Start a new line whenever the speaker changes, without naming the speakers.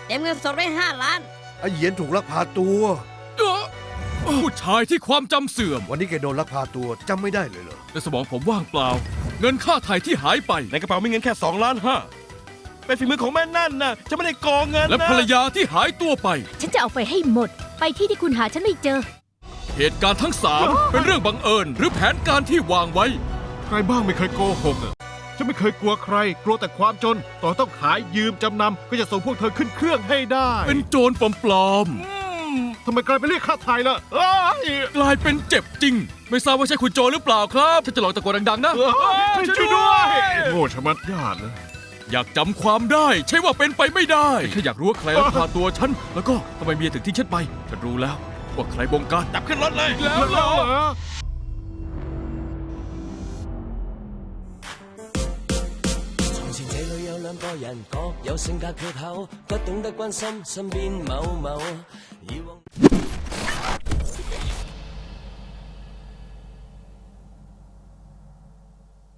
เต็มเงินสดไว้5 ล้าน
ไอ้เหยียนถูกลักพาตัว
ผู้ชายที่ความจำเสื่อม
วันนี้แกโดนลักพาตัวจำไม่ได้เลยเหรอ
ในสมองผมว่างเปล่า เงินค่าไถ่ที่หายไป
ในกระเป๋ามีเงินแค่2.5 ล้านเป็นฝีมือของแม่นั่นนะฉันไม่ได้โกงเงินนะ
และภรรยาที่หายตัวไป
ฉันจะเอาไปให้หมด ไปที่ที่คุณหาฉันไม่เจอ
เหตุการณ์ทั้ง3เป็นเรื่องบังเอิญหรือแผนการที่วางไว้
ใครบ้างไม่เคยโกหกฉันไม่เคยกลัวใคร กลัวแต่ความจน ต่อต้องขายยืมจำนำก็จะส่งพวกเธอขึ้นเครื่องให้ได้
เป็นโจรปลอม
ทำไมกลายเป็นเรียกค่าไทยล่ะเอ้ย
ๆกลายเป็นเจ็บจริง ไม่ทราบว่าใช่คุณโจรหรือเปล่าครับฉันจะลองตะโกนดังๆนะ
ช่วยด้วยโง่ชะมัดญาติเลย
อยากจำความได้ใช่ว่าเป็นไปไม่ได้แค่อยากรู้ว่าใครลักพาตัวฉันแล้วก็ทำไมเมียถึงทิ้งฉันไปฉันรู้แล้วว่าใครบงการ
จับขึ้นรถเลย
แล้วเหรอ
從前這裏有兩個人，各有性格缺口，不懂得關心身邊某某。以往